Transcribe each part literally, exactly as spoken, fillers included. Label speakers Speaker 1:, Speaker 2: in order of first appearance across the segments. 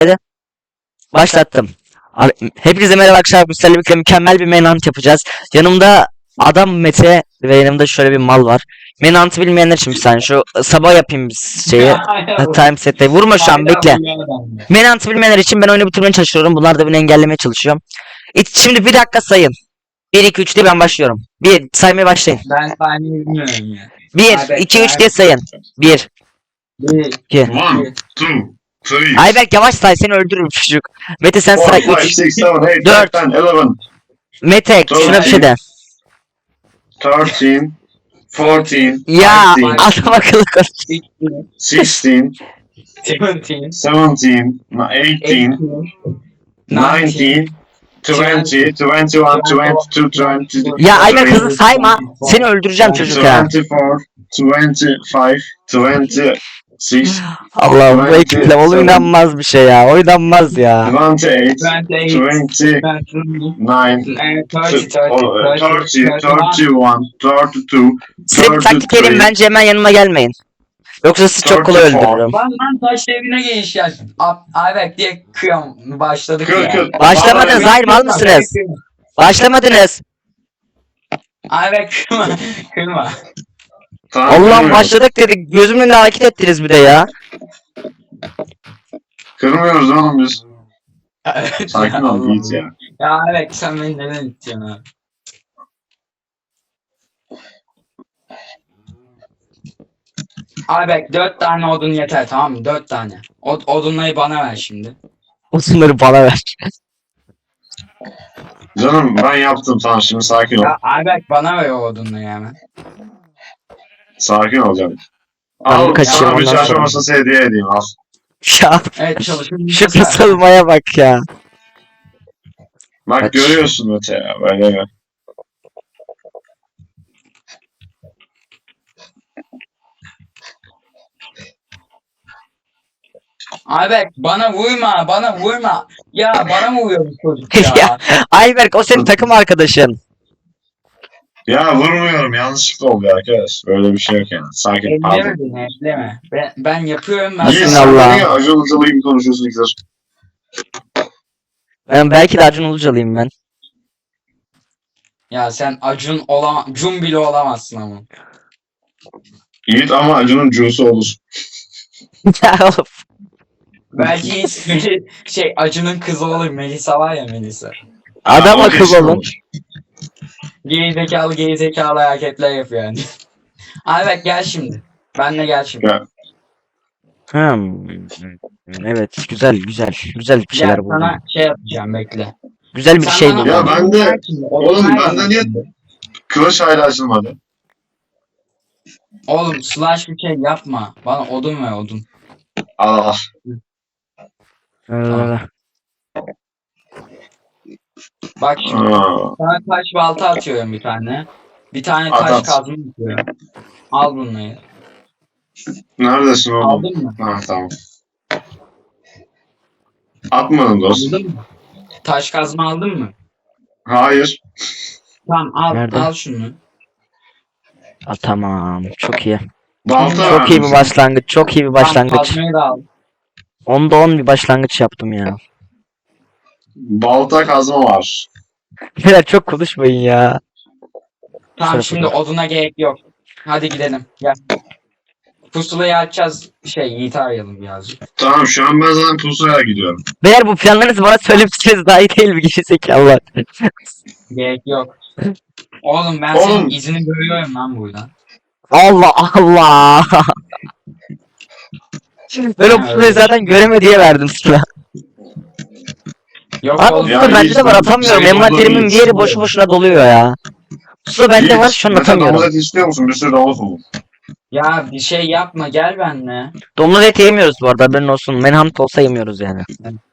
Speaker 1: Başlattım. Abi, hepinize merhaba arkadaşlar. Bu sizlerle birlikte mükemmel bir Manhunt yapacağız. Yanımda adam Mete ve yanımda şöyle bir mal var. Manhunt'ı bilmeyenler için bir saniye şu sabah yapayım şeyi. Time set'te. Vurma şu an, bekle. Manhunt'ı bilmeyenler için ben oyunu bitirmeye çalışıyorum. Bunlar da beni engellemeye çalışıyorum. İt- Şimdi bir dakika sayın. bir iki üç diye ben başlıyorum. Bir saymaya başlayın.
Speaker 2: Ben saymayı bilmiyorum ya.
Speaker 1: bir iki üç diye sayın. bir
Speaker 2: Bir,
Speaker 1: iki
Speaker 3: One, two, three,
Speaker 1: Ayberk yavaş say, seni öldürürüm çocuk. Mete sen
Speaker 3: four,
Speaker 1: say
Speaker 3: five,
Speaker 1: üç.
Speaker 3: six, seven, eight,
Speaker 1: Dört.
Speaker 3: nine, ten, eleven,
Speaker 1: Mete şuna bir şey de.
Speaker 3: thirteen, fourteen,
Speaker 1: Ya
Speaker 3: fifteen,
Speaker 1: adam akıllı konuş.
Speaker 3: sixteen,
Speaker 2: seventeen,
Speaker 3: seventeen, eighteen, nineteen, twenty, twenty-one, twenty-two, twenty-three,
Speaker 1: Ya Ayberk hızlı sayma. Seni öldüreceğim çocuk ya.
Speaker 3: twenty-four, twenty-five, twenty-six,
Speaker 1: Allah bu ekiple oynanmaz bir şey ya. Oynanmaz ya.
Speaker 3: twenty-eight,
Speaker 2: twenty-eight,
Speaker 3: twenty-nine,
Speaker 2: twenty-nine, thirty,
Speaker 3: thirty, thirty-one, thirty-two,
Speaker 1: Size bir taktik vereyim, bence hemen yanıma gelmeyin. Yoksa sizi çok kolay öldürürüm.
Speaker 2: Lan lan taş evine geliş ya. Ayberk diye kıyam başladık
Speaker 3: Kır,
Speaker 2: ya.
Speaker 3: kır.
Speaker 1: Başlamadınız, hayır mal mısınız? Başlamadınız.
Speaker 2: Ayberk kırma, kırma.
Speaker 3: Tamam,
Speaker 1: Allah'ım
Speaker 3: kırmıyoruz.
Speaker 1: başladık dedik. Gözümün önünde hareket ettiniz bir de ya.
Speaker 3: Kırmıyoruz oğlum biz.
Speaker 2: Evet
Speaker 3: Sakin
Speaker 2: ya,
Speaker 3: ol
Speaker 2: Allah'ım.
Speaker 3: Yiğit ya.
Speaker 2: Ya Ayberk sen beni neden itiyorsun abi? Ayberk dört tane odun yeter, tamam mı? Dört tane. O, odunları bana ver şimdi.
Speaker 1: Osunları bana ver.
Speaker 3: Canım ben yaptım, tamam şimdi sakin ol.
Speaker 2: Ya Ayberk bana ver o odunları hemen.
Speaker 3: Sakin ol canım.
Speaker 1: Ben
Speaker 3: Al
Speaker 1: kaçayım,
Speaker 3: sana bir
Speaker 1: ondan
Speaker 3: çarşı
Speaker 1: sonra.
Speaker 3: masası hediye edeyim al.
Speaker 1: Ya
Speaker 2: Evet çalışın.
Speaker 1: şu kısılmaya bak ya.
Speaker 3: Bak
Speaker 1: Kaç.
Speaker 3: görüyorsun Mete ya böyle mi?
Speaker 2: Ayberk bana vurma, bana vurma. Ya bana mı vuruyor bu çocuk ya?
Speaker 1: Ya Ayberk o senin takım arkadaşın.
Speaker 3: Ya vurmuyorum, yanlışlıkla oluyor arkadaş. Böyle bir şey yok yani. Sakin al.
Speaker 2: Elleme beni, elleme. Ben, ben yapıyorum ben.
Speaker 3: Yiğit
Speaker 1: Nasılsın
Speaker 3: sen
Speaker 1: Allah?
Speaker 3: de niye acı uzalı gibi konuşuyorsun ikizler?
Speaker 1: Ben belki de Acun Ilıcalı'yım ben.
Speaker 2: Ya sen Acun olamaz, Cun bile olamazsın ama.
Speaker 3: Yiğit ama acının cusu olur.
Speaker 1: Ya oğlum.
Speaker 2: Belki ismi şey Acun'un kızı olur. Melisa var ya, Melisa.
Speaker 1: Adam
Speaker 3: Ya, o
Speaker 1: akıllı
Speaker 3: kesin
Speaker 1: olun.
Speaker 3: olur.
Speaker 2: Gerizekalı gerizekalı hareketler yapıyor yani. Ayberk gel şimdi. Benle gel şimdi.
Speaker 3: Ya,
Speaker 1: Hmm. Evet, güzel güzel güzel bir
Speaker 2: Gel
Speaker 1: şeyler buldum.
Speaker 2: sana şey yapacağım, bekle.
Speaker 1: Güzel bir
Speaker 2: Sen
Speaker 1: şey
Speaker 2: bana
Speaker 1: buldum.
Speaker 3: Ya
Speaker 2: odun
Speaker 3: ben de-
Speaker 2: ver şimdi, odun
Speaker 3: oğlum
Speaker 2: ver
Speaker 3: ben de
Speaker 2: bana
Speaker 3: niye-
Speaker 2: şimdi.
Speaker 3: kılıç hala açılmadı.
Speaker 2: Oğlum slash bir şey yapma. Bana odun ver, odun.
Speaker 3: Al al.
Speaker 1: Ee,
Speaker 2: Bak şimdi.
Speaker 3: Aa,
Speaker 2: Sana taş balta atıyorum bir tane. Bir tane
Speaker 3: At,
Speaker 2: taş
Speaker 3: at.
Speaker 2: kazma atıyorum. Al bunları.
Speaker 3: neredesin oğlum?
Speaker 2: Aldın mı?
Speaker 3: Ha tamam. Atmadın dost.
Speaker 2: Aldın mı? Taş kazma aldın mı?
Speaker 3: Hayır.
Speaker 2: Tamam al,
Speaker 1: Nerede?
Speaker 2: al şunu.
Speaker 1: Aa, tamam, çok iyi.
Speaker 3: Balta
Speaker 1: Çok iyi
Speaker 3: verdim
Speaker 1: bir
Speaker 3: sana.
Speaker 1: başlangıç, çok iyi bir
Speaker 2: Tamam,
Speaker 1: başlangıç.
Speaker 2: kazmayı da al.
Speaker 1: Onda on bir başlangıç yaptım ya.
Speaker 3: Balta kazma var.
Speaker 1: Beyler çok konuşmayın ya.
Speaker 2: Tamam
Speaker 1: Şöyle
Speaker 2: şimdi
Speaker 1: yapalım.
Speaker 2: oduna gerek yok. Hadi gidelim. Gel. Pusulayı açacağız. Şey Yiğit'i arayalım birazcık.
Speaker 3: Tamam şu an ben zaten pusuya gidiyorum.
Speaker 1: Beyler bu planlarınızı bana söylemişsiniz daha iyi değil mi gerizekalılar?
Speaker 2: Gerek yok. Oğlum ben
Speaker 3: Oğlum.
Speaker 2: senin izini görüyorum lan buradan.
Speaker 1: Allah Allah. Ben o
Speaker 2: Ha,
Speaker 1: pusulayı
Speaker 2: öyle.
Speaker 1: zaten göreme diye verdim sana.
Speaker 2: Yok
Speaker 1: Abi
Speaker 2: oğlum.
Speaker 3: Ya
Speaker 1: pusula bende
Speaker 3: hiç
Speaker 1: de var,
Speaker 3: ben
Speaker 1: atamıyorum.
Speaker 3: şey
Speaker 1: Envanterimin
Speaker 3: olduğunu
Speaker 1: bir yeri
Speaker 3: hiç-
Speaker 1: boşu boşuna doluyor ya. Pusula bende
Speaker 3: Yiğit,
Speaker 1: var, şu an
Speaker 3: Mete
Speaker 1: atamıyorum.
Speaker 3: domuz eti istiyor musun? Bir sürü domuz buldum.
Speaker 2: Ya bir şey yapma, gel benimle.
Speaker 1: Domuz eti yemiyoruz bu arada, haberin olsun. Manhunt olsa yemiyoruz yani.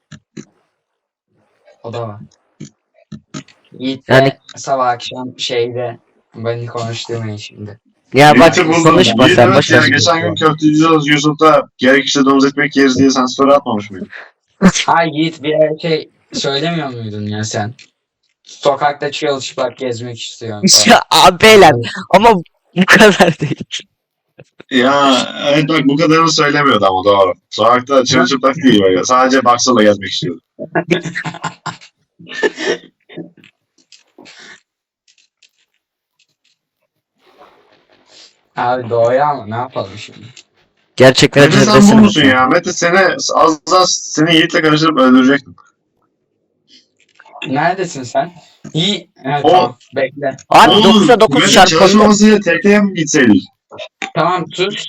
Speaker 2: O da var. Yiğit
Speaker 1: Yani-
Speaker 2: de sabah akşam şeyde beni konuşturmayın şimdi.
Speaker 1: Ya bak
Speaker 3: Yiğit'i buldum.
Speaker 1: konuşma
Speaker 3: Yiğit,
Speaker 1: sen,
Speaker 3: evet
Speaker 1: boş
Speaker 3: ya,
Speaker 1: ver.
Speaker 3: geçen gün köfteci Yusuf'ta gerekirse domuz ekmek yeriz diye sen story atmamış mıydın?
Speaker 2: Hayır Yiğit, bir şey söylemiyor muydun ya sen? Sokakta çırılçıplak gezmek istiyorum falan.
Speaker 1: Ya abi beyler, ama bu kadar değil.
Speaker 3: Ya evet bak bu kadarını söylemiyordu ama doğru. Sokakta çırılçıplak değil böyle. Sadece baksana gezmek istiyordu.
Speaker 2: Abi doğru ama ne yapalım şimdi?
Speaker 1: Gerçekten
Speaker 3: Mete sen bu
Speaker 1: acıdır
Speaker 3: musun ya? Mete seni az daha seni Yiğit'le karıştırıp öldürecektim.
Speaker 2: Neredesin sen? İyi. Evet
Speaker 3: O-
Speaker 2: tamam. Bekle.
Speaker 1: Abi
Speaker 3: Oğlum,
Speaker 1: dokuza dokuz
Speaker 3: Mete
Speaker 1: çarpı
Speaker 3: çalışmamasıyla tekneye mi gitseydik?
Speaker 2: Tamam tut.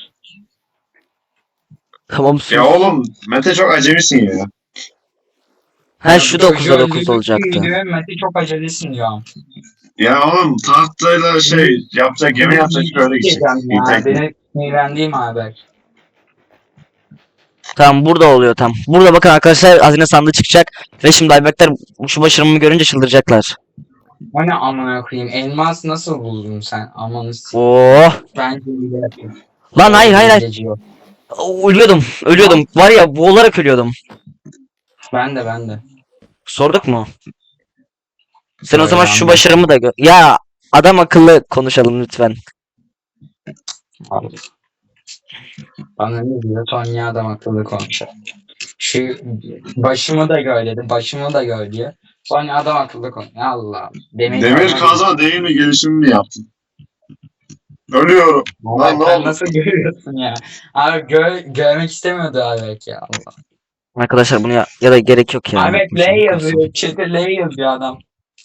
Speaker 1: Tamam sus.
Speaker 3: Ya oğlum Mete çok acemisin ya.
Speaker 1: Ha
Speaker 2: Ya
Speaker 1: şu
Speaker 2: bu çocuğu
Speaker 1: dokuzda dokuz
Speaker 2: öldürdük
Speaker 1: olacaktı.
Speaker 2: diyor, Mete çok acelesin diyor.
Speaker 3: Ya oğlum tahtayla şey yapacak gemi yapacak öyle gidecek.
Speaker 2: Diyeceğim
Speaker 3: İyi
Speaker 2: ya.
Speaker 3: tekne.
Speaker 2: Beni sinirlendiğim haber.
Speaker 1: Tamam burada oluyor tam. Burada bakın arkadaşlar hazine sandığı çıkacak. Ve şimdi Ayberkler şu başarımı görünce çıldıracaklar.
Speaker 2: O ne amına koyayım? Elmas nasıl buldun sen? Amanı s-
Speaker 1: Oh.
Speaker 2: Bence iyi yapayım.
Speaker 1: Lan hayır hayır hayır.
Speaker 2: Hileci yok.
Speaker 1: Ölüyordum. Ölüyordum. Var ya boğularak ölüyordum.
Speaker 2: Ben de ben de.
Speaker 1: Sorduk mu? Sen o
Speaker 2: Öyle
Speaker 1: zaman şu
Speaker 2: anladım.
Speaker 1: başarımı da gör. Ya adam akıllı konuşalım lütfen.
Speaker 2: Abi. Bana ne diyor? Tonya adam akıllı konuşuyor. Şu başımı da gör dedi. Başımı da gör diyor. Tonya adam akıllı konuşuyor. Allah. Demir,
Speaker 3: Demir kazma değil mi gelişimi mi yaptın? Ölüyorum.
Speaker 2: Lan
Speaker 3: Lan ne
Speaker 2: sen
Speaker 3: oldu?
Speaker 2: nasıl görüyorsun ya? Abi gör, görmek istemiyordu abi belki ya. Allah.
Speaker 1: Arkadaşlar bunu ya, ya da gerek yok ya.
Speaker 2: Abi L
Speaker 1: Unutmuşum.
Speaker 2: yazıyor. Chat'e L yazıyor adam.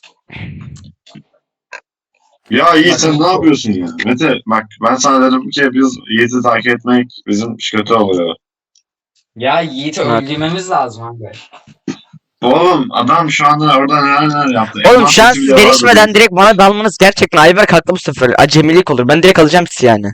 Speaker 3: Ya Yiğit sen ne yapıyorsun ya? Mete bak ben sana dedim ki biz Yiğit'i takip etmek bizim iş kötü oluyor.
Speaker 2: Ya Yiğit'i
Speaker 1: Evet.
Speaker 2: öldürmemiz lazım abi.
Speaker 3: Oğlum adam şu anda orada neler neler yaptı.
Speaker 1: Oğlum
Speaker 3: Elmas
Speaker 1: şu an
Speaker 3: sesi
Speaker 1: siz
Speaker 3: bile vardı
Speaker 1: gelişmeden
Speaker 3: diyor.
Speaker 1: direkt bana dalmanız gerçekten Ayberk haklı bu sefer. Acemilik olur. Ben direkt alacağım sizi yani.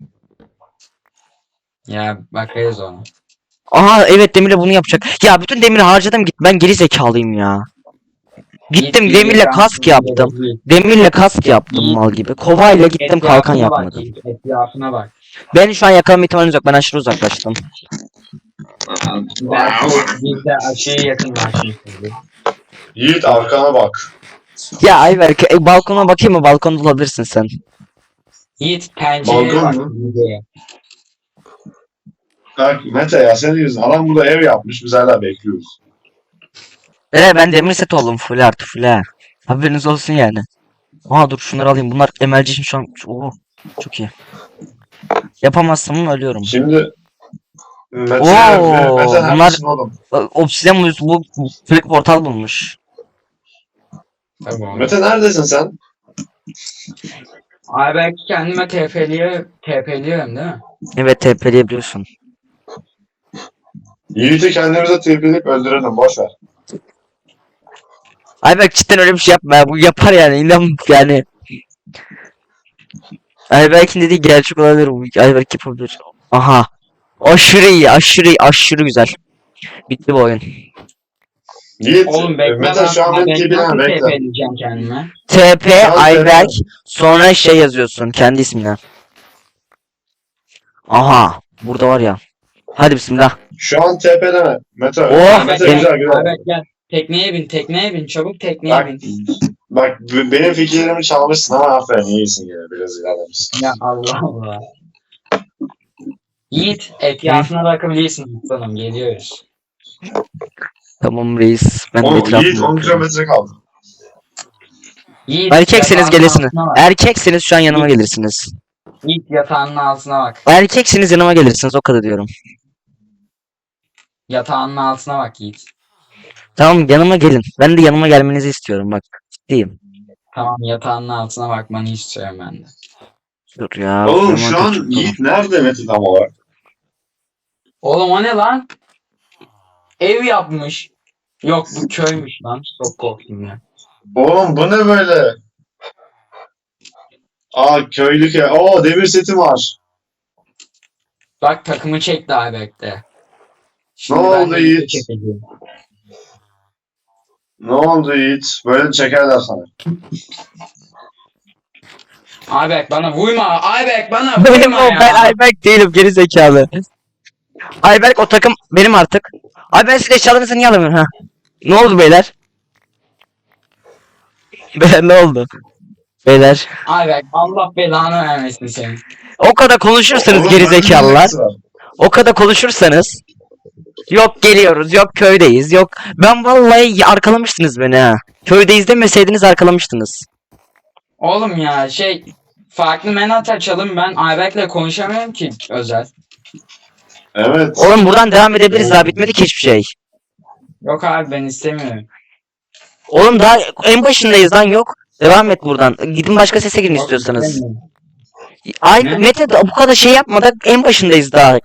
Speaker 2: Ya bakarız ona.
Speaker 1: Aha evet Demir'le bunu yapacak. Ya bütün demiri harcadım git. Ben geri zekalıyım ya. Gittim
Speaker 2: Yiğit,
Speaker 1: demirle
Speaker 2: Yiğit,
Speaker 1: kask
Speaker 2: ben-
Speaker 1: yaptım.
Speaker 2: Yiğit,
Speaker 1: Demirle kask yaptım
Speaker 2: Yiğit.
Speaker 1: mal gibi. Kovayla gittim kalkan
Speaker 2: etrafına bak,
Speaker 1: yapmadım.
Speaker 2: Yiğit, Etrafına bak.
Speaker 1: Ben şu an yakalama ihtimaliniz yok. Ben aşırı uzaklaştım.
Speaker 2: Belki biz de aşırı yakınlaşmışızdır.
Speaker 3: Yiğit arkana bak.
Speaker 1: Ya Ayberk e, balkona bakayım mı? Balkonda olabilirsin sen.
Speaker 2: Yiğit pencereye
Speaker 3: Balkon
Speaker 2: bak.
Speaker 3: mu?
Speaker 2: Yiğit'e.
Speaker 3: Bak Mete ya senin yüzünden adam burada ev yapmış biz hala bekliyoruz.
Speaker 1: Ee, ben demir set oldum full artı full ha. Haberiniz olsun yani. Aa dur şunları alayım. Bunlar emelci için şu an. Oo, çok iyi. Yapamazsam ölüyorum.
Speaker 3: Şimdi Mete,
Speaker 1: Oo,
Speaker 3: Mete
Speaker 1: bunlar-
Speaker 3: neredesin oğlum?
Speaker 1: Obsidian bu, bu sürekli portal bulmuş.
Speaker 2: Tamam.
Speaker 3: Mete neredesin sen?
Speaker 2: Abi belki kendime T P'liye T P'liyorum değil mi?
Speaker 1: Evet T P'leyebiliyorsun.
Speaker 3: Yiğit'i kendimize tepeleyip öldürelim boş ver.
Speaker 1: Ayberk cidden öyle bir şey yapma ya. Bu yapar yani. İnan yani. Ayberk'in dediği gerçek olabilir. Bu Ayberk yapabilir. Aha. Aşırı iyi. Aşırı iyi. Aşırı güzel. Bitti bu oyun.
Speaker 3: Yiğit,
Speaker 2: Oğlum bekle
Speaker 3: Mete şu an
Speaker 2: ben
Speaker 3: beni
Speaker 2: ben nasıl
Speaker 3: tepelen
Speaker 2: T
Speaker 3: bekle.
Speaker 2: P'leyeceğim kendime?
Speaker 1: T P
Speaker 3: Şu an
Speaker 1: Ayberk
Speaker 3: T P.
Speaker 1: sonra şey yazıyorsun kendi ismine. Aha. Burada var ya. Hadi bismillah.
Speaker 3: Şu an tepeleme. Mete.
Speaker 1: Oh,
Speaker 3: Mete
Speaker 1: gel-
Speaker 3: güzel güzel.
Speaker 2: Abi gel. Tekneye bin, tekneye bin, çabuk tekneye
Speaker 3: Bak,
Speaker 2: bin.
Speaker 3: bak b- benim fikirlerimi çalmışsın ama aferin iyisin yine biraz ilerlemişsin.
Speaker 2: Ya Allah Allah. Yiğit, etrafına bakabilirsin aslanım, geliyoruz.
Speaker 1: Tamam reis. Ben de
Speaker 3: O
Speaker 1: etrafıma
Speaker 3: Yiğit on
Speaker 1: bakıyorum.
Speaker 3: kilometre kaldı.
Speaker 2: Yiğit,
Speaker 1: Erkekseniz
Speaker 2: yatağının
Speaker 1: gelirsiniz.
Speaker 2: altına bak.
Speaker 1: Erkekseniz şu an yanıma gelirsiniz.
Speaker 2: Yiğit yatağının altına bak.
Speaker 1: Erkekseniz yanıma gelirsiniz o kadar diyorum.
Speaker 2: Yatağının altına bak Yiğit.
Speaker 1: Tamam yanıma gelin. Ben de yanıma gelmenizi istiyorum bak. Ciddiyim.
Speaker 2: Tamam yatağının altına bakmanı istiyorum ben de.
Speaker 1: Dur ya.
Speaker 3: Oğlum
Speaker 1: zaman
Speaker 3: şu an
Speaker 1: çok-
Speaker 3: Yiğit nerede Mete tam olarak?
Speaker 2: Oğlum o ne lan? Ev yapmış. Yok bu köymüş lan. Çok korktum ya.
Speaker 3: Oğlum bu ne böyle? Aa köylü köy. Oo demir setim var.
Speaker 2: Bak takımı çekti abi bekle.
Speaker 3: Ne
Speaker 2: ben
Speaker 3: oldu
Speaker 2: de
Speaker 3: Yiğit?
Speaker 2: çekeceğim.
Speaker 3: Ne oldu Yiğit? Böyle çekerler sana.
Speaker 2: Ayberk bana vurma. Ayberk bana
Speaker 1: Benim
Speaker 2: vurma
Speaker 1: o
Speaker 2: ya.
Speaker 1: ben Ayberk değilim geri zekalı. Ayberk o takım benim artık. Ay ben size eşyalarınızı niye alamıyorum ha? Ne oldu beyler? Beyler ne oldu? Beyler.
Speaker 2: Ayberk Allah belanı vermesin seni.
Speaker 1: O kadar konuşursanız
Speaker 3: Oğlum,
Speaker 1: geri
Speaker 3: bende ne
Speaker 1: zekalılar.
Speaker 3: alakası var?
Speaker 1: O kadar konuşursanız. Yok geliyoruz, yok köydeyiz, yok. Ben vallahi arkalamıştınız beni ha. Köydeyiz demeseydiniz arkalamıştınız.
Speaker 2: Oğlum ya şey farklı menat açalım, ben Ayberk'le konuşamıyorum ki özel.
Speaker 3: Evet.
Speaker 1: Oğlum buradan devam edebiliriz, daha bitmedi ki hiçbir şey.
Speaker 2: Yok abi ben istemiyorum.
Speaker 1: Oğlum daha en başındayız lan, yok. Devam et buradan. Gidin başka sese girin
Speaker 2: Yok,
Speaker 1: istiyorsanız.
Speaker 2: istemiyorum.
Speaker 1: Ay
Speaker 2: Ne?
Speaker 1: Mete de bu kadar şey yapmadan en başındayız daha.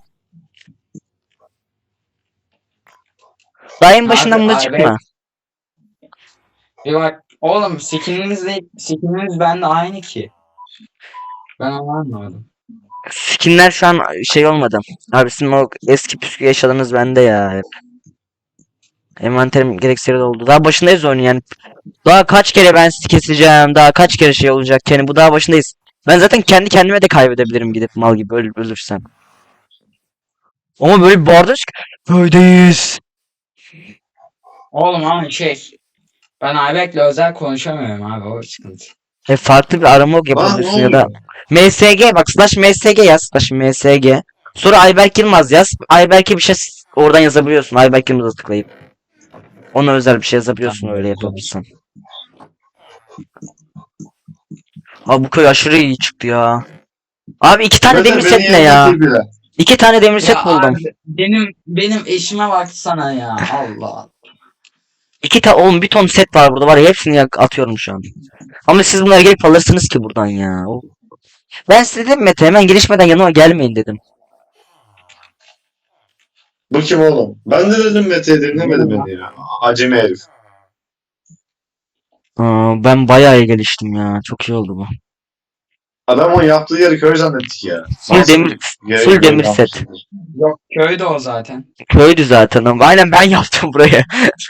Speaker 1: Daha en başından
Speaker 2: Abi,
Speaker 1: buna
Speaker 2: abi.
Speaker 1: çıkma.
Speaker 2: Bir bak oğlum skinimizle skinimiz bende aynı ki. Ben onu anlamadım.
Speaker 1: Skinler şu an şey olmadı. Abi sizin o eski püskü yaşadığınız bende ya hep. Envanterim gereksiz oldu. Daha başındayız oyunun yani. Daha kaç kere ben sizi keseceğim. Daha kaç kere şey olacak. Yani bu daha başındayız. Ben zaten kendi kendime de kaybedebilirim gidip mal gibi öl ölürsem. Ama böyle bir bağırdık ki böyleyiz.
Speaker 2: Oğlum ama şey ben Ayberk'le özel konuşamıyorum abi, o sıkıntı.
Speaker 1: E farklı bir arama
Speaker 3: Lan ne
Speaker 1: yapabilirsin ya da
Speaker 3: oluyor?
Speaker 1: M S G bak slash M S G yaz slash M S G. Sonra Ayberk Yılmaz yaz. Ayberk'e bir şey s- oradan yazabiliyorsun. Ayberk Yılmaz'a tıklayıp. Ona özel bir şey yazabiliyorsun
Speaker 2: Tamam,
Speaker 1: öyle
Speaker 2: tamam.
Speaker 1: yapabilirsin. Abi bu köy aşırı iyi çıktı ya. Abi iki tane
Speaker 3: Mete
Speaker 1: demir
Speaker 3: beni
Speaker 1: set ne ya?
Speaker 3: yenmek bile.
Speaker 1: İki tane demir set
Speaker 2: Ya
Speaker 1: buldum.
Speaker 2: abi, benim benim eşime baksana ya, Allah.
Speaker 1: İki tane oğlum bir ton set var burada var ya, hepsini yak- atıyorum şu an. Ama siz bunları gelip alırsınız ki buradan ya. O- Ben size dedim Mete hemen gelişmeden yanıma gelmeyin dedim.
Speaker 3: Bu kim oğlum? Ben de dedim Mete'ye dinlemedi beni ya. Acemi herif.
Speaker 1: Aa, ben bayağı iyi geliştim ya. Çok iyi oldu bu.
Speaker 3: Adam o yaptığı yeri köy zannettik ya.
Speaker 1: Full
Speaker 3: Nasıl
Speaker 1: demir,
Speaker 3: yere
Speaker 1: full
Speaker 3: göre
Speaker 1: demir
Speaker 3: yapmışsın?
Speaker 1: set.
Speaker 2: Yok köyde o zaten.
Speaker 1: Köydü zaten ama. Aynen ben yaptım burayı.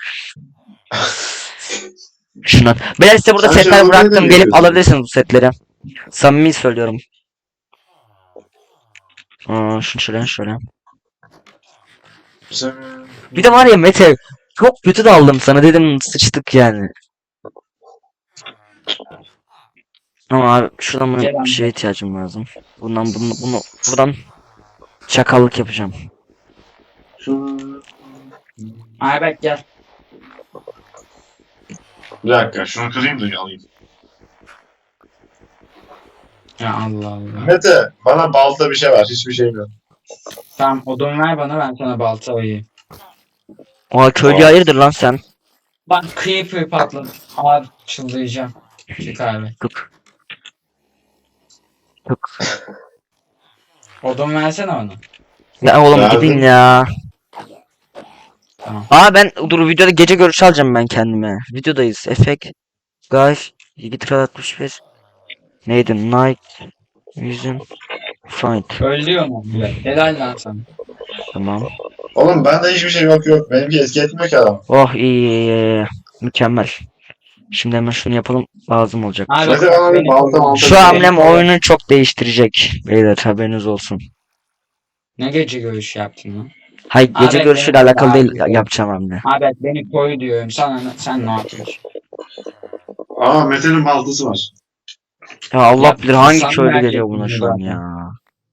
Speaker 1: Şuna. Ben size burada
Speaker 3: Sen
Speaker 1: setler
Speaker 3: şöyle
Speaker 1: bıraktım.
Speaker 3: böyle mi
Speaker 1: Gelip
Speaker 3: yapıyorsun?
Speaker 1: alabilirsiniz bu setleri. Samimi söylüyorum. Aa, şunu şöyle şöyle.
Speaker 3: Sen-
Speaker 1: Bir de var ya Mete. Çok kötü de aldım sana dedim sıçtık yani. Ama abi şuradan bana
Speaker 2: Gelen
Speaker 1: bir şeye ihtiyacım lazım. Bundan bunu, bunu buradan çakallık yapacağım.
Speaker 2: Ayberk gel.
Speaker 3: Bir dakika şunu kırayım da alayım.
Speaker 2: Ya Allah Allah.
Speaker 3: Mete bana balta bir şey var. Hiçbir şeyim yok.
Speaker 2: Tamam odun ver bana, ben sana balta ayıyım.
Speaker 1: Oha köylü
Speaker 3: Aa.
Speaker 1: hayırdır lan sen?
Speaker 2: Bak creeper patladı. Abi çıldıracağım. Çık abi.
Speaker 1: Tık. Tık.
Speaker 2: Odun versene bana.
Speaker 1: Ya oğlum
Speaker 3: Verdim.
Speaker 1: gidin ya.
Speaker 2: Tamam.
Speaker 1: Aa ben dur videoda gece görüşü alacağım ben kendime. Videodayız. Efekt. Guys. Git altmış beş. Neydi? Night. Vision. Fight.
Speaker 2: Öldürüyor mu? Helal lan sana.
Speaker 1: Tamam.
Speaker 3: Oğlum bende hiçbir şey yok yok. Benimki eski etmiyor ki adam.
Speaker 1: Oh iyi, iyi, iyi. Mükemmel. Şimdi hemen şunu yapalım. Lazım olacak.
Speaker 2: Abi,
Speaker 3: Mete bana bir
Speaker 2: beni
Speaker 3: balta
Speaker 2: koru.
Speaker 3: balta.
Speaker 1: Şu hamlem oyunu çok değiştirecek. Beyler haberiniz olsun.
Speaker 2: Ne gece görüşü yaptın lan?
Speaker 1: Hayır gece
Speaker 2: Abi,
Speaker 1: görüşüyle
Speaker 2: benim-
Speaker 1: alakalı değil
Speaker 2: Abi,
Speaker 1: yapacağım hamle.
Speaker 2: Abi beni koy diyorum. Sana sen ne yapıyorsun?
Speaker 3: Aa Mete'nin baltası var.
Speaker 1: Ya Allah
Speaker 2: Ya,
Speaker 1: bilir hangi
Speaker 2: sen
Speaker 1: köylü
Speaker 2: merak
Speaker 1: geliyor buna
Speaker 2: ettin
Speaker 1: şu an
Speaker 2: zaten.
Speaker 1: ya.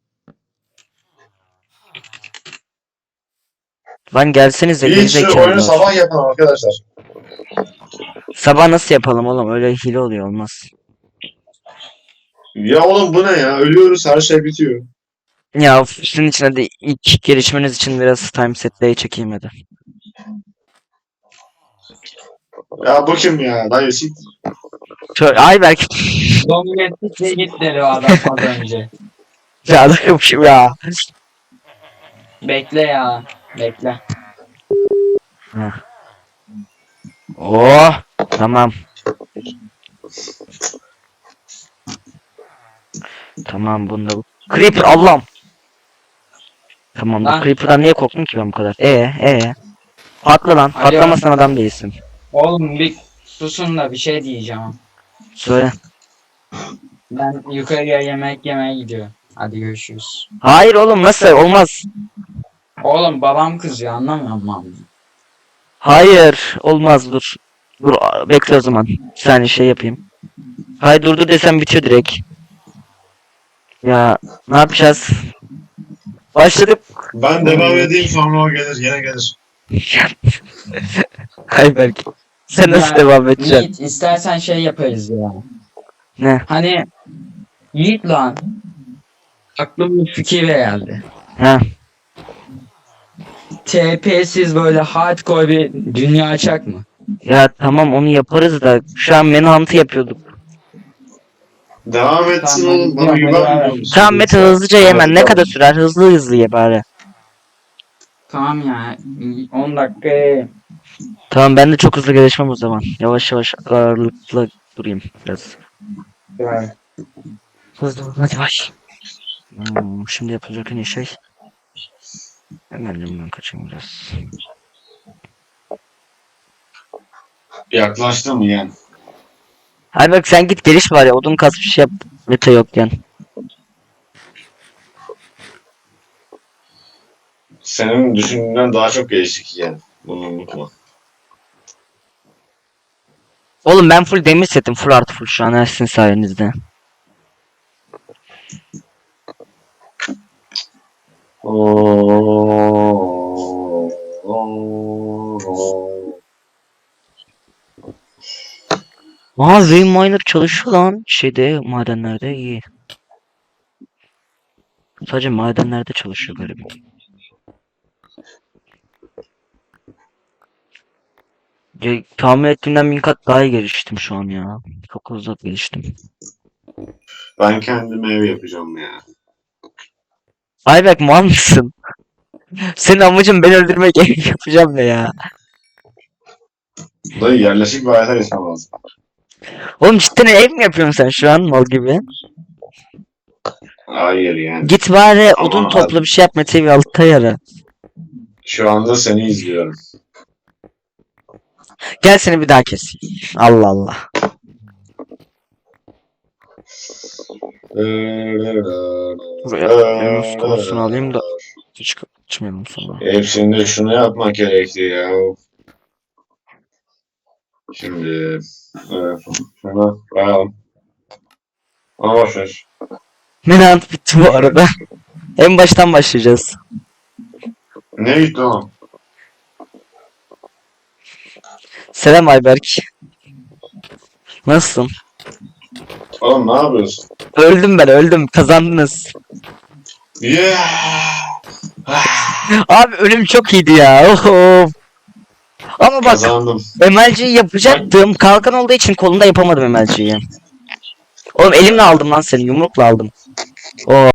Speaker 1: Lan gelsenize
Speaker 3: Hiç şu oyunu
Speaker 1: gerizekalılar.
Speaker 3: sabah yapın arkadaşlar.
Speaker 1: Sabah nasıl yapalım oğlum? Öyle hile oluyor olmaz.
Speaker 3: Ya oğlum bu ne ya? Ölüyoruz her şey bitiyor.
Speaker 1: Ya of, sizin içine de ilk gelişmeniz için biraz time set'leyi çekeyim hadi.
Speaker 3: Ya bu kim ya? Dayı sit.
Speaker 1: Şöyle, ay belki
Speaker 2: Dominetlikle git dedi o adam az önce.
Speaker 1: ya adammışım ya.
Speaker 2: Bekle ya. Bekle.
Speaker 1: Oh tamam. Tamam bunda bu. Creeper Allah'ım. Tamam bu
Speaker 2: Lan.
Speaker 1: Creeper'dan niye korktum ki ben bu kadar? E e. Patla lan.
Speaker 2: Alo.
Speaker 1: Patlamasan adam değilsin.
Speaker 2: Oğlum bir susun da bir şey diyeceğim.
Speaker 1: Söyle.
Speaker 2: Ben yukarıya yemek yemeye gidiyorum. Hadi görüşürüz.
Speaker 1: Hayır oğlum nasıl? Olmaz.
Speaker 2: Oğlum babam kızıyor, anlamıyor musun?
Speaker 1: Hayır. Olmaz dur. Dur bekle o zaman. Bir saniye şey yapayım. Hay durdu desem bitiyor direkt. Ya ne yapacağız? Başladık.
Speaker 3: Ben devam edeyim sonra o gelir. Yine gelir.
Speaker 1: Hay belki. Sen nasıl
Speaker 2: Ya,
Speaker 1: devam edeceksin?
Speaker 2: Yiğit istersen şey yaparız ya.
Speaker 1: Ne?
Speaker 2: Hani Yiğit lan. Aklıma bir fikir geldi.
Speaker 1: Ha.
Speaker 2: T P'siz böyle hardcore bir dünya açak mı?
Speaker 1: Ya tamam onu yaparız da şu an Manhunt'ı yapıyorduk.
Speaker 3: Devam etsin
Speaker 2: Tamam,
Speaker 3: oğlum. Bana
Speaker 2: devam,
Speaker 3: güvenmiyor
Speaker 2: devam.
Speaker 3: musun?
Speaker 1: Tamam Mete hızlıca yemen ne
Speaker 3: Tamam.
Speaker 1: kadar sürer? Hızlı hızlı ye bari.
Speaker 2: Tamam ya. on dakika.
Speaker 1: Tamam ben de çok hızlı gelişmem o zaman. Yavaş yavaş ağırlıklı durayım biraz. Hızlı hızlı hadi baş. Hmm, şimdi yapılacak en iyi şey. Hemen ben kaçayım biraz.
Speaker 3: Yaklaştım yani.
Speaker 1: Hadi bak sen git geliş var ya odun kas bir şey yap. Mete yokken.
Speaker 3: Senin düşündüğünden daha çok geliştik yani. Bunu unutma.
Speaker 1: Oğlum ben full demir setim full artı full şu an her sizin sayenizde.
Speaker 3: Oo, oo, oo.
Speaker 1: Aa Vein Miner çalışıyor lan şeyde madenlerde iyi. Sadece madenlerde çalışıyor galiba. Ya, tahmin ettiğimden bin kat daha iyi geliştim şu an ya. Çok hızlı geliştim.
Speaker 3: Ben kendime ev yapacağım ya.
Speaker 1: Ayberk mal mısın? Senin amacın beni öldürmek ev yapacağım ne ya?
Speaker 3: Dayı yerleşik bir hayata geçmem lazım.
Speaker 1: Oğlum cidden ev mi yapıyorsun sen şu an mal gibi?
Speaker 3: Hayır yani.
Speaker 1: Git bari
Speaker 3: Ama
Speaker 1: odun
Speaker 3: abi-
Speaker 1: topla bir şey yap Mete bir altta yara.
Speaker 3: Şu anda seni izliyorum.
Speaker 1: Gel seni bir daha keseyim. Allah Allah. Buraya Yunus konusunu alayım da hiç kaçmayalım sonra.
Speaker 3: Hepsinde şunu yapmak gerekti ya. Şimdi evet, şunu koyalım. Ama boş ver.
Speaker 1: Menant bitti bu arada. En baştan başlayacağız.
Speaker 3: Ne gitti oğlum?
Speaker 1: Selam Ayberk. Nasılsın?
Speaker 3: Oğlum ne yapıyorsun?
Speaker 1: Öldüm ben öldüm kazandınız.
Speaker 3: Yeah!
Speaker 1: Abi ölüm çok iyiydi ya. Oho. Ama bak
Speaker 3: Kazandım.
Speaker 1: M L G'yi yapacaktım. Kalkan olduğu için kolumda yapamadım M L G'yi. Oğlum elimle aldım lan seni yumrukla aldım. Oo.